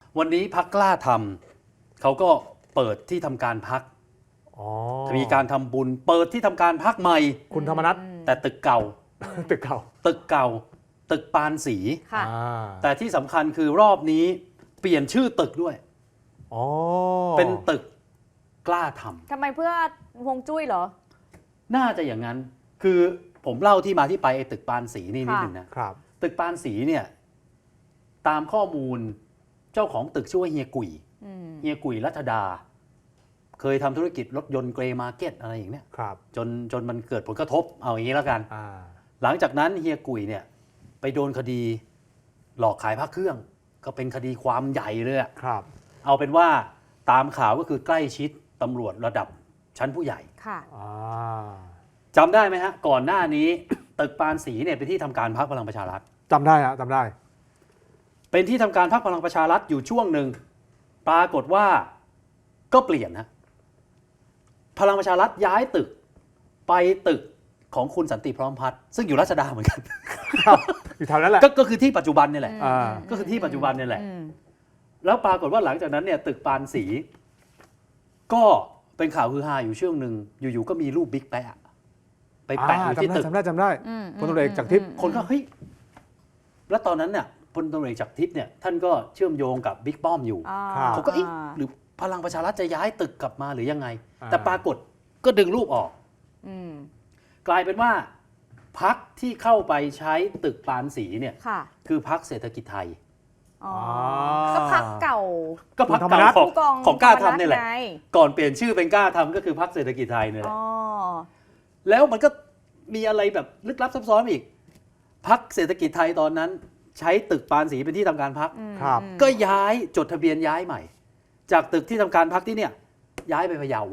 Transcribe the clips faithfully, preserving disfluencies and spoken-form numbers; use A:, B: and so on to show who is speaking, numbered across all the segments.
A: วันนี้พรรคกล้าทำเขาก็เปิดที่ทำการพรรคมีการทำบุญเปิดที่ทำการพรรคใหม่
B: คุณธรรมนัส
A: แต่ตึกเก่า
B: ตึกเก่า
A: ตึกเก่าตึกปานสีแต่ที่สำคัญคือรอบนี้เปลี่ยนชื่อตึกด้วยเป็นตึกกล้าทำ
C: ทำไมเพื่อฮวงจุ้ยเหรอ
A: น่าจะอย่างนั้นคือผมเล่าที่มาที่ไปไอ้ตึกปานสีนี่นิดนึงนะครับตึกปานสีเนี่ยตามข้อมูลเจ้าของตึกชื่อว่าเฮียกุยเฮียกุยรัชดาเคยทำธุรกิจรถยนต์เกรย์มาร์เก็ตอะไรอย่างเนี้ยจนจนมันเกิดผลกระทบเอาอย่างนี้แล้วกันหลังจากนั้นเฮียกุยเนี่ยไปโดนคดีหลอกขายพระเครื่องก็เป็นคดีความใหญ่เลยครับเอาเป็นว่าตามข่าวก็คือใกล้ชิดตำรวจระดับชั้นผู้ใหญ่ค่ะจำได้ไหมฮะก่อนหน้านี้ ตึกปานสีเนี่ยเป็นที่ทำการพรรคพลังประชารัฐ
B: จำได้ฮะจำได้
A: เป็นที่ทำการพรรคพลังประชารัฐอยู่ช่วงหนึ่งปรากฏว่าก็เปลี่ยนนะพลังประชารัฐย้ายตึกไปตึกของคุณสันติพร้อมพัฒน์ซึ่งอยู่ราชดาเหมือนกัน
B: อยู่แถวนั้นแหละ
A: ก็คือที่ปัจจุบันนี่แหละก็คือที่ปัจจุบันนี่แหละแล้วปรากฏว่าหลังจากนั้นเนี่ยตึกปานสีก็เป็นข่าวฮือฮาอยู่ช่วงหนึ่งอยู่ๆก็มีรูปบิ๊กแปะไปแปะอยู่ที่ตึก
B: จำได้จำได้พลตำรวจเอกจากทิพย์
A: คนก็เฮ้ยแล้วตอนนั้นเนี่ยพลตำรวจเอกจากทิพย์เนี่ยท่านก็เชื่อมโยงกับบิ๊กป้อมอยู่เขาก็เอ๊ะหรือพลังประชารัฐจะย้ายตึกกลับมาหรือยังไงแต่ปรากฏก็ดึงรูปออกกลายเป็นว่าพรรคที่เข้าไปใช้ตึกปานสีเนี่ยคือพรรคเศรษฐกิจไทย
C: ก็พรรคเก่า
A: ก็พรรคเก่าของของกล้าทำนี่แหละก่อนเปลี่ยนชื่อเป็นกล้าทำก็คือพรรคเศรษฐกิจไทยนี่แหละแล้วมันก็มีอะไรแบบลึกลับซับซ้อนอีกพรรคเศรษฐกิจไทยตอนนั้นใช้ตึกปานสีเป็นที่ทำการพรรคก็ย้ายจดทะเบียนย้ายใหม่จากตึกที่ทำการพรรคที่เนี่ยย้ายไปพะเยา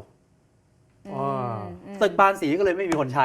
A: ตึกปานสีก็เลยไม่มีคนใช้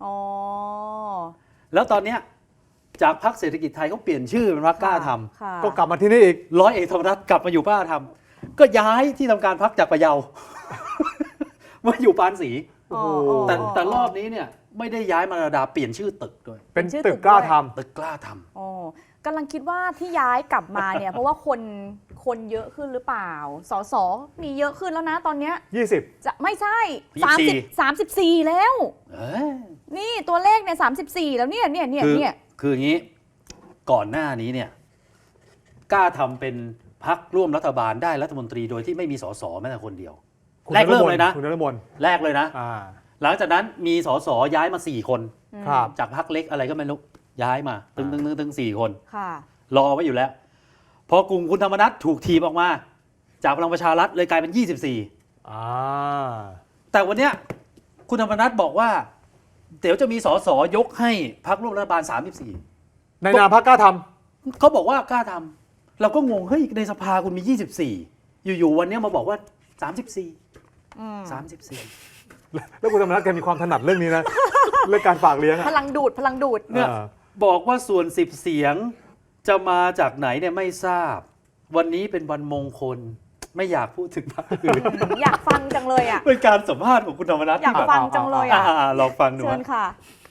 A: แล้วตอนเนี้ยจากพรรคเศรษฐกิจไทยเขาเปลี่ยนชื่อเป็นพรรคกล้าท
B: ำก็กลับมาที่นี่อีก
A: ร้อยเอกธรรมนัสกลับมาอยู่กล้าทำก็ย้ายที่ทำการพรรคจากพะเยามาอยู่ปานสีแต่แต่รอบนี้เนี่ยไม่ได้ย้ายมาระดาเปลี่ยนชื่อตึกด้วย
B: เป็นตึกกล้าทำ
A: ตึกกล้าท
C: ำอ๋อกำลังคิดว่าที่ย้ายกลับมาเนี่ย เพราะว่าคนคนเยอะขึ้นหรือเปล่าสสมีเยอะขึ้นแล้วนะตอนเนี้ย
B: ยี่สิบ
C: จะไม่ใช่สามสิบสามสิบสี่แล้วนี่ตัวเลขเนี่ยสามสิบสี่แล้วเนี่ยเนี่ยเนี่ยเนี่ย
A: คืออย่างนี้ก่อนหน้านี้เนี่ยกล้าทำเป็นพรรคร่วมรัฐบาลได้รัฐมนตรีโดยที่ไม่มีสสแม้แต่คนเดียวแรกเริ่มเลยนะ
B: คุณนฤมล
A: แรกเลยนะหลังจากนั้นมีสสย้ายมาสี่คนจากพรรคเล็กอะไรก็ไม่รู้ย้ายมาตึงตึงตึงตึงสี่คนรอไว้อยู่แล้วพอกลุ่มคุณธรรมนัสถูกทีบออกมาจากพลังประชารัฐเลยกลายเป็นยี่สิบสี่แต่วันเนี้ยคุณธรรมนัสบอกว่าเดี๋ยวจะมีสสยกให้พรรคร่วมรัฐบาลสามสิบสี่
B: ในนามพรรคกล้าท
A: ำเขาบอกว่ากล้าทำเราก็งงเฮ้ยในสภาคุณมียี่สิบสี่อยู่ๆวันนี้มาบอกว่าสามสิบสี่สามสิบสี่
B: แล้วคุณธรรมนัสแกมีความถนัดเรื่องนี้นะเรื่องการฝากเลี้ยง
C: พลังดูดพลังดูด
A: เนี่ยบอกว่าส่วนสิบเสียงจะมาจากไหนเนี่ยไม่ทราบวันนี้เป็นวันมงคลไม่อยากพูดถึงพรรคอื่น
C: อยากฟังจังเลยอ่ะ
A: เป็นการสัมภาษณ์ของคุณธรรมนัส
C: อยากฟังจังเลยอ่ะ
A: ลองฟังดู
C: เชิญค่ะ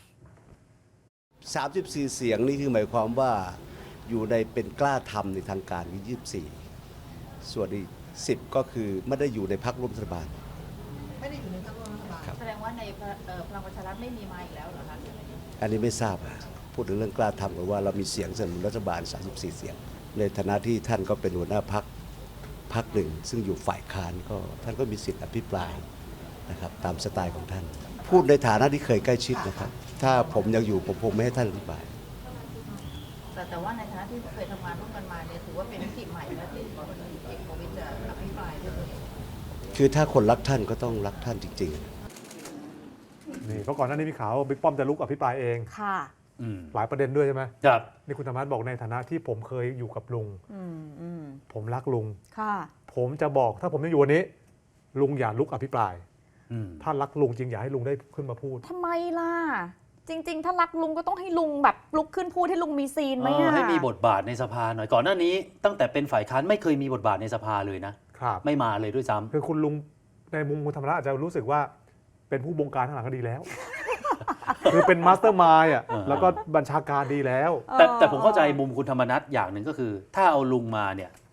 D: สามสิบสี่เสียงนี่คือหมายความว่าอยู่ในเป็นกล้าทำในทางการยี่สิบสี่ส่วนอีกสิบก็คือไม่ได้อยู่ในพรรคร่วมรัฐบาล
E: ไม่ได้อยู่ในพรรคร่วมรัฐบาลแสดงว่าในพลังประชารัฐไม่มีมาอีกแล้วเหรอคะ
D: อันนี้ไม่ทราบพูดถึงเรื่องกล้าทำกันว่าเรามีเสียงสนับสนุนรัฐบาลสามสิบสี่เสียงในฐานะที่ท่านก็เป็นหัวหน้าพรรคพรรคหนึ่งซึ่งอยู่ฝ่ายค้านก็ท่านก็มีสิทธิ์อภิปรายนะครับตามสไตล์ของท่านพูดในฐานะที่เคยใกล้ชิดนะครับถ้าผมยังอยู่ผมคงไม่ให้ท่านอธิบาย
E: แต่แต่ว่าในฐานะที่เคยทำงานร่วมกันมาเนี่ยถือว่าเป็นมิติใหม่นะที่พลเอกประวิตรจะอภิปรายด้วยตัวเอง
D: คือถ้าคนรักท่านก็ต้องรักท่านจริง
B: ๆนี่เพราะก่อนหน้านี้มีข่าวว่าบิ๊กป้อมจะลุกอภิปรายเอง
C: ค่ะ
B: หลายประเด็นด้วยใช่ไหม
A: ครับ
B: นี่คุณธรรมนัสบอกในฐานะที่ผมเคยอยู่กับลุงผมรักลุง
C: ค่ะ
B: ผมจะบอกถ้าผมยังอยู่วันนี้ลุงอย่าลุกอภิปรายถ้ารักลุงจริงอย่าให้ลุงได้ขึ้นมาพูด
C: ทำไมล่ะจริงๆถ้ารักลุงก็ต้องให้ลุงแบบลุกขึ้นพูดให้ลุงมีซีนไหมอ่ะ
A: ให้มีบทบาทในสภาหน่อยก่อนหน้านี้ตั้งแต่เป็นฝ่ายค้านไม่เคยมีบทบาทในสภาเลยนะครับไม่มาเลยด้วยซ้ำ
B: คือคุณลุงในมุมคุณธรรมนัสอาจจะรู้สึกว่าเป็นผู้บงการข้างหลังก็ดีแล้วคือเป็นมาสเตอร์มายด์อ่ะแล้วก็บัญชาการดีแล้ว
A: แต่แต่ผมเข้าใจมุมคุณธรรมนัสอย่างหนึ่งก็คือถ้าเอาลุงมาเนี่ย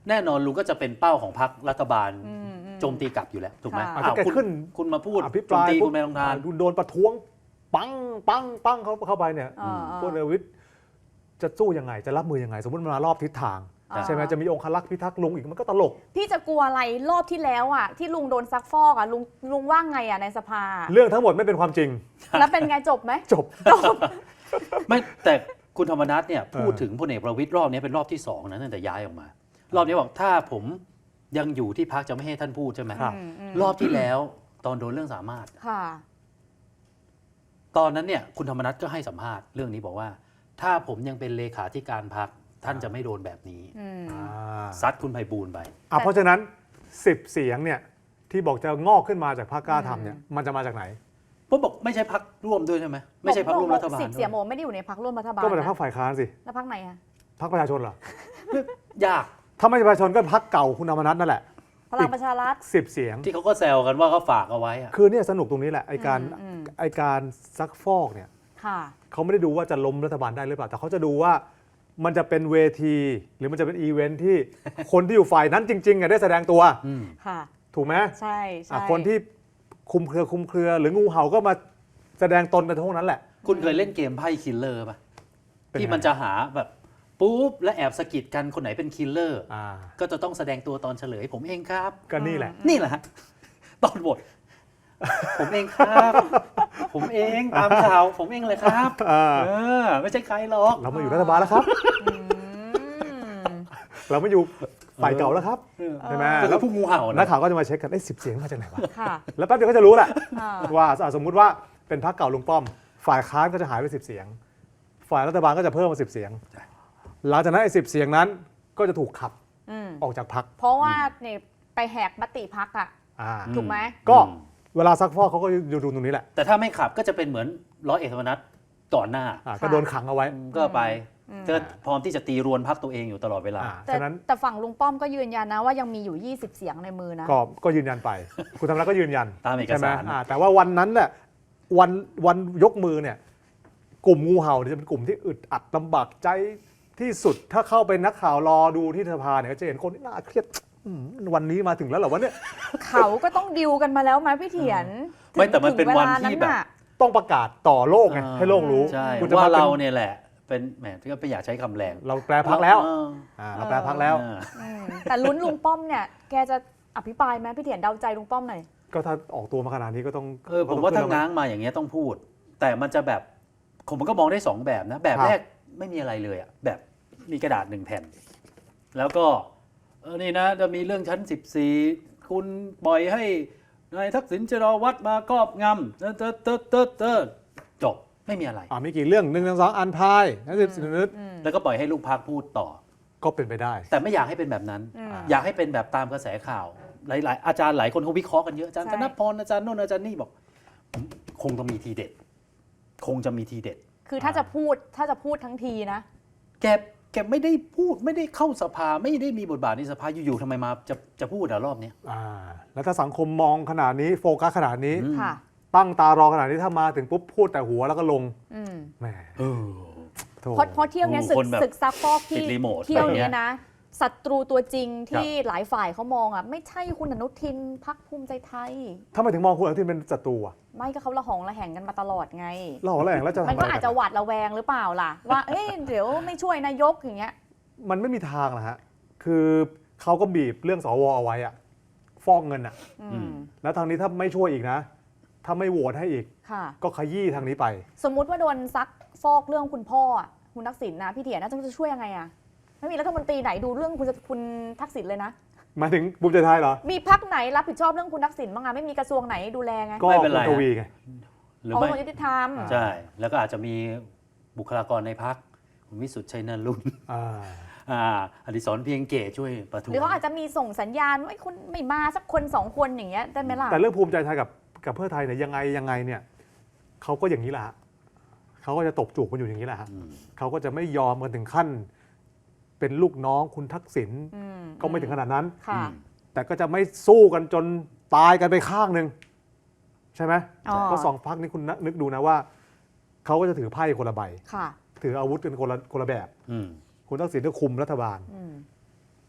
A: แน่นอนลุงก็จะเป็นเป้าของพรรครัฐบาล
C: อืมอืม
A: โจมตีกลับอยู่แล้วถูกไหม
C: ค่ะ
B: อ่ะ
A: อ้าว
B: แก
A: คุณ
B: ขึ้น
A: คุณมาพูด
B: อภิป
A: โจม
B: ราย
A: ตี
B: ปุ๊
A: คุ
B: บ
A: ณไม่ต้องทาน
B: โดนประท้วงปังปังปังเขาเข้าไปเนี่ย
C: อ่า
B: พลเอกประวิตรจะสู้ยังไงจะรับมือยังไง สมมติมันมารอบทิศทาง
C: อ่า
B: ใช่ไหมจะมีองครักษ์พิทักษ์ลุงอีกมันก็ตลก
C: พี่จะกลัวอะไรรอบที่แล้วอ่ะที่ลุงโดนซักฟอกอ่ะลุงลุงว่าไงอ่ะในสภา
B: เรื่องทั้งหมดไม่เป็นความจริง
C: แล้วเป็นไงจบไหม
B: จบ
A: ไม่แต่คุณธรรมนัฐเนี่ยพูด
B: เออ
A: ถึงพลเอกประวิตรรอบนี้เป็นรอบที่สองนะตั้งแต่ย้ายออกมา รอบนี้บอกถ้าผมยังอยู่ที่พักจะไม่ให้ท่านพูดใช่ไหม
B: ครับ
C: อืมอืม
A: รอบที่แล้วตอนโดนเรื่องสามารถ
C: ค่ะ
A: ตอนนั้นเนี่ยคุณธรรมนัฐก็ให้สัมภาษณ์เรื่องนี้บอกว่า ถ้าผมยังเป็นเลขาธิการพักท่านจะไม่โดนแบบนี้
C: อืม
B: อ่า
A: ซัดคุณไพบูลย์ไป
B: อ่ะเพราะฉะนั้นสิบเสียงเนี่ยที่บอกจะงอกขึ้นมาจากพรรคกล้าทำเนี่ยมันจะมาจากไหน
A: ผมบอกไม่ใช่พักร่วมด้วยใช่ไหมไม่ใช่พักร่วมรัฐบาล
C: สิบ
A: ด้
C: เสี
A: วย
C: งโมไม่ได้อยู่ในพักร่วมรัฐบาล
B: ก็มาจากพรรค
C: นะ
B: ฝ่ายค้านสิ
C: แล้วพักไหนอ่ะ
B: พรรคประชาชนเหรอ
A: ยาก
B: ถ้าไม่ใช่ประชาชนก็พรรคเก่าคุณธรรมนัฐนั่นแหละ
C: พลังประชารัฐ
B: สิบเสียง
A: ที่เขาก็แซวกันว่าเขาฝากเอาไว้อะ
B: คือเนี่ยสนุกตรงนี้แหละไอการ
C: อืมอืม
B: ไอการซักฟอกเนี่ย
C: ค่ะ
B: เขาไม่ได้ดูว่าจะล้มรัฐบาลได้หรือเปล่าแต่เขาจะดูว่ามันจะเป็นเวที หรือมันจะเป็นอีเวนท์ที่ คนที่อยู่ฝ่ายนั้นจริงๆอะได้แสดงตัว
A: อืม
C: ค่ะ
B: ถูกไหม
C: ใช่ใช่
B: อ่ะคนที่คุมเครือคุมเครือ หรืองูเห่าก็มาแสดงตนกันทั้งนั้นแหละ
A: คุณเคยเล่นเกมไพ่คิลเลอร์ป่ะ
B: เป็นไง
A: ที่มันจะหาแบบปุ๊บและแอบสะกิดกันคนไหนเป็นคิลเลอร์
B: อ่า
A: ก็จะต้องแสดงตัวตอนเฉลยผมเองครับ
B: ก็นี่แหละ
A: นี่แหละฮะตอนบท ผมเองครับ ผมเองตามข่าว ผมเองเลยครับ
B: อ่า
A: เออไม่ใช่ใครหรอก
B: เรามาอยู่รัฐบาลแล้วครับ
C: อืม
B: เราไม่อยู่ฝ่ายเก่าแล้วครับ
A: เออ
B: ใช่ไหม
A: ก็
B: แล้
A: คือ
B: ว
A: ผู้งูเห่า
B: นัก
A: นะ
B: ข่าวก็จะมาเช็คกันไอ้สิบเสียงมาจากไหนวะ
C: ค่ะ
B: แล้วแป๊บเดียวก็จะรู้แหละ
C: อ่า
B: ว่าอ่ะสมมุติว่าเป็นพรรคเก่าลุงป้อม ฝ่ายค้านก็จะหายไปสิบเสียง ฝ่ายรัฐบาลก็จะเพิ่มมาสิบเสียง หลังจากนั้นไอ้สิบเสียงนั้นก็จะถูกขับ
C: อืม
B: ออกจากพรรค
C: เพราะว่าเนี่ยไปแหกมติพักอ่ะ
B: อ่า
C: ถูกไหม
B: ก็
A: อืม
B: เวลาซักฟอกเขาก็อยู่ดูตรงนี้แหละ
A: แต่ถ้าไม่ขับก็จะเป็นเหมือนร้อยเอกธรรมนัฐก่อนหน้า
B: อ่าก็โดนขังเอาไว้
A: ก็ไป
C: อืม
A: ก็พร้อมที่จะตีรวนพักตัวเองอยู่ตลอดเวลา
B: อ่า
C: แต่
B: ฉะนั้น
C: แต่ฝั่งลุงป้อมก็ยืนยันนะว่ายังมีอยู่ ยี่สิบ เสียงในมือนะ
B: ก็ก็ยืนยันไป คุณธรรมนัฐก็ยืนยัน
A: ตามเอก
B: ใช่ไหม
A: สาร
B: อ่าแต่ว่าวันนั้นเนี่ยวันวันยกมือเนี่ยกลุ่มงูเห่าเนี่ยจะเป็นกลุ่มที่อึดอัดลำบากใจที่สุดถ้าเข้าไปนักข่าวรอดูที่สภาเนี่ยก็จะเห็นคนที่น่าเครียดอืมวันนี้มาถึงแล้วเหรอวะเนี่ย
C: เขาก็ต้องดิวกันมาแล้วไหมพี่เถียน
A: ไม่แต่มัน
C: ถึง
A: เป็นวัน
C: วลา
A: ที่แบบ
C: น่ะ
B: ต้องประกาศต่อโลกไงให้โลกรู้
A: ใช่
B: คุณจะ
A: ว่า
B: มาป็น
A: เราเนี่ยแหละ เป็นแหมที่ก็ไม่อยากใช้คำแรง
B: เราแปลพักแล้ว
A: เออ
B: อ่าเราแปลพักแล้ว
A: เออ
C: อืมแต่ลุ้นลุงป้อมเนี่ยแกจะอภิปรายไหมพี่เถียนเดาใจลุงป้อมหน่อย
B: ก็ถ้าออกตัวมาขนาดนี้ก็ต้อง
A: เออผมว่าถ้าง้างมาอย่างเงี้ยต้องพูด แต่มันจะแบบผมมันก็มองได้สองแบบนะ แบบแรกไม่มีอะไรเลยอ่ะแบบมีกระดาษหนึ่งแผ่น แล้วก็เออนี่นะจะมีเรื่องชั้นสิบสี่คุณปล่อยให้นายทักษิณชินวัตรมาครอบงำเตอเตอเตอเตอเตอจบไม่มีอะไร
B: อ่ามีกี่เรื่องหนึ่งหนึ่งสองอันพายนั่นสิบสิบนิด
A: แล้วก็ปล่อยให้ลูกพักพูดต่อ
B: ก็เป็นไปได้
A: แต่ไม่อยากให้เป็นแบบนั้น
C: อืม
A: อยากให้เป็นแบบตามกระแสข่าว หลาย ๆ อาจารย์หลายคนเขาวิเคราะห์กันเยอะอาจารย์
C: ใช่
A: ธนพรอาจารย์โน่นอาจารย์นี่บอก คงต้องมีทีเด็ด คงจะมีทีเด็ด
C: คือถ้าจะพูดถ้าจะพูดทั้งทีนะ
A: แกแกไม่ได้พูดไม่ได้เข้าสภาไม่ได้มีบทบาทในสภาอยู่ๆทำไมมาจะจะพูดอะรอบเนี้ย
B: อ่าแล้วถ้าสังคมมองขนาดนี้โฟกัสขนาดนี้
A: อืม
C: ค่ะ
B: ตั้งตารอขนาดนี้ถ้ามาถึงปุ๊บพูดแต่หัวแล้วก็ลง
C: อืม
B: แหม
A: เออ
B: โถ
C: เพราะเพราะเที่ยวเนี้ยศึ
A: ค
C: ก
A: นแบบ
C: ศึกซักฟอก
A: ติ
C: ที่
A: ดรีโมท
C: เที่ยว
A: อะไรเงี้
C: เนี้
A: ย
C: ยนะศัตรูตัวจริงที่หลายฝ่ายเขามองอ่ะไม่ใช่คุณอนุทินพักภูมิใจไทย
B: ถ้าไม่ถึงมองคุณอนุทินเป็นศัตรูอะ
C: ไม่ก็เขาละหองละแหงกันมาตลอดไง
B: เราอะไรอย่างแล้วจะทำ
C: มัน
B: อะไร
C: ก็อาจจะหวาดระแวงหรือเปล่าล่ะ ว่าเอ้ยเดี๋ยวไม่ช่วยนายกอย่างเงี้ย
B: มันไม่มีทางนะฮะคือเขาก็บีบเรื่องสวเอาไว้อะฟอกเงินอะ
C: อื
A: อื
C: ม
A: ม
B: แล้วทางนี้ถ้าไม่ช่วยอีกนะ ถ้าไม่โหวตให้อีก
C: ค่ะ
B: ก็ขยี้ทางนี้ไป
C: สมมุติว่าโดนซักฟอกเรื่องคุณพ่ออะคุณทักษิณนะพี่เถียรน่าจะช่วยยังไงอะไม่มีรัฐมนตรีไหนดูเรื่องคุณคุณทักษิณเลยนะ
B: หมายถึงภูมิใจไทยเหรอ
C: มีพักไหนรับผิดชอบเรื่องคุณทักษิณบ้างอะไม่มีกระทรวงไหนดูแลไง
B: ก็
A: ไม่เป็นไร
B: คุณทวีไง
A: หรือ
C: ของ
A: ไม่
C: คนยุติธรรม
B: อ่า
A: ใช่ แล้วก็อาจจะมีบุคลากรในพักคุณวิสุทธิ์ชัยนันท์รุ่น
B: อ่า
A: อ่าอดิศรเพียงเกตช่วยประท้ว
C: หรือง เขาอาจจะมีส่งสัญญาณว่าไอ้คนไม่มาสักคนสองคนอย่างเงี้ยได้ไหมล่ะ
B: แต่เรื่องภูมิใจไทยกับกับเพื่อไทยเนี่ยยังไงยังไงเนี่ยเขาก็อย่างนี้แหละฮะเขาก็จะตบจูบกันอยู่อย่างนี้แหละฮะ
A: อืม
B: เขาก็จะไม่ยอมกันถึงขั้น เป็นลูกน้องคุณทักษิณ
C: อืม
B: ก็ไม่ถึงขนาดนั้น
C: ค่ะ
B: แต่ก็จะไม่สู้กันจนตายกันไปข้างหนึ่งใช่ไหม
C: อ๋อ
B: ก็สองพักนี้คุณนึกดูนะว่าเขาก็จะถือไพ่คนละใบ
C: ค่ะ
B: ถืออาวุธกันคนละคนละแบบ
A: อืม
B: คุณทักษิณก็คุมรัฐบาล
C: อืม
B: ผ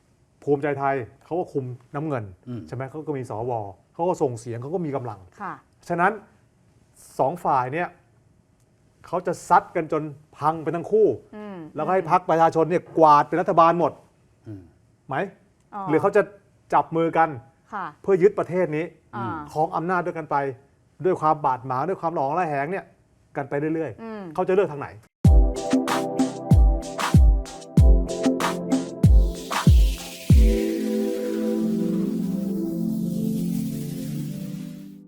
B: ภูมิใจไทยเขาก็คุมน้ำเงิน
A: อืม
B: ใช่ไหมเขาก็มีสวเขาก็ส่งเสียงเขาก็มีกำลัง
C: ค่ะ
B: ฉะนั้นสองฝ่ายเนี่ยเขาจะซัดกันจนพังไปทั้งคู่
C: อืม
B: แล้วก็ให้พรรคประชาชนเนี่ยกวาดเป็นรัฐบาลหมด
A: อืม
B: ไหม หรือเขาจะจับมือกัน
C: ค่ะ
B: เพื่อยึดประเทศนี้
C: อ่า
B: ครองอำนาจด้วยกันไป ด้วยความบาดหมางด้วยความหลองระแหงเนี่ยกันไปเรื่อย
C: อืม
B: ๆเขาจะเลือกทางไหน